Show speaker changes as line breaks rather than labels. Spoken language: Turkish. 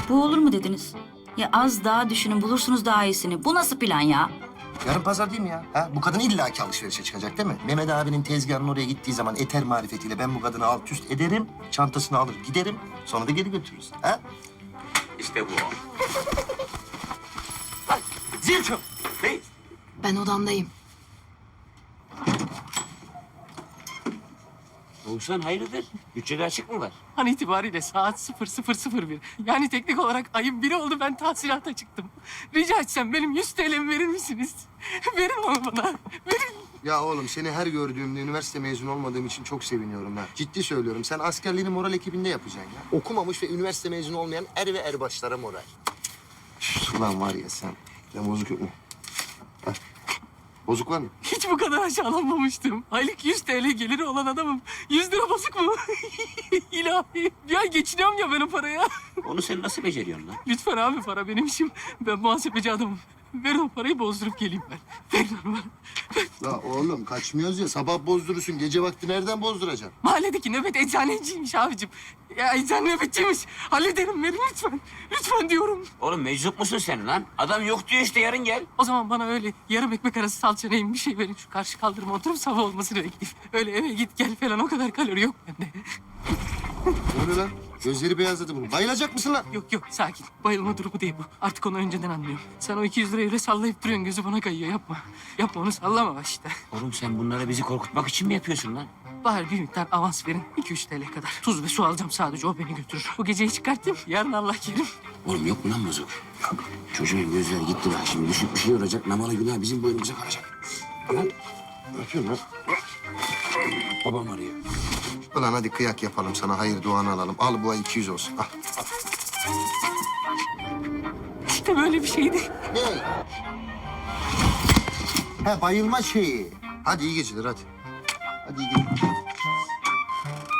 Bu olur mu dediniz? Ya az daha düşünün, bulursunuz daha iyisini. Bu nasıl plan ya?
Yarın pazar değil mi ya? Ha? Bu kadın illaki alışverişe çıkacak değil mi? Mehmet abinin tezgahının oraya gittiği zaman eter marifetiyle ben bu kadını alt üst ederim. Çantasını alır giderim. Sonra da geri götürürüz. Ha?
İşte bu. Lan zil çal. Ne?
Ben odamdayım.
Oğuzhan hayırdır? Bütçede açık mı var?
An itibariyle saat 00:01. Yani teknik olarak ayın biri oldu, ben tahsilata çıktım. Rica etsem benim 100 TL'mi verir misiniz? Verin onu bana, verin.
Ya oğlum seni her gördüğümde üniversite mezunu olmadığım için çok seviniyorum ha. Ciddi söylüyorum. Sen askerliğini moral ekibinde yapacaksın ya. Okumamış ve üniversite mezunu olmayan er ve erbaşlara moral. Üf, ulan var ya sen. Ya bozuk yok mu? Hah. Bozuk var mı?
Hiç bu kadar aşağılanmamıştım. Aylık 100 TL geliri olan adamım. 100 lira bozuk mu? İlahi. Ya geçiniyorum ya ben o paraya.
Onu sen nasıl beceriyorsun lan?
Lütfen abi, para benim işim. Ben muhasebeci adamım. Verin o parayı, bozdurup geleyim ben. Verin onu bana.
La oğlum kaçmıyoruz ya. Sabah bozdurursun. Gece vakti nereden bozduracaksın?
Mahalledeki nöbet eczaneciymiş abicim. Ya eczane nöbetçiymiş. Hallederim, verin lütfen. Lütfen diyorum.
Oğlum meczup musun sen lan? Adam yok diyor işte yarın gel.
O zaman bana öyle yarım ekmek arası salça neyim bir şey verin. Şu karşı kaldırıma oturup sabah olmasını bekleyeyim. Öyle eve git gel falan, o kadar kalori yok bende.
Ne oluyor lan? Gözleri beyazladı bunun. Bayılacak mısın lan?
Yok yok, sakin. Bayılma durumu değil bu. Artık onu önceden anlıyorum. Sen o 200 lirayı öyle sallayıp duruyorsun, gözü bana kayıyor. Yapma. Yapma, onu sallama işte.
Oğlum sen bunları bizi korkutmak için mi yapıyorsun lan?
Bari bir miktar avans verin. 2-3 TL kadar. Tuz ve su alacağım sadece, o beni götürür. Bu geceyi çıkartayım, yarın Allah kerim.
Oğlum yok mu lan bozuk? Yok. Çocuğun gözleri gitti bak şimdi düşüp bir şey olacak. Namalı günah bizim boynumuza kalacak. Lan
Ne yapıyorsun lan?
babam arıyor.
Ulan hadi kıyak yapalım sana. Hayır duanı alalım. Al bu ay 200 olsun. Al.
İşte böyle bir şeydi.
Ne? Ha bayılma şeyi. Hadi iyi geceler hadi. Hadi iyi geceler.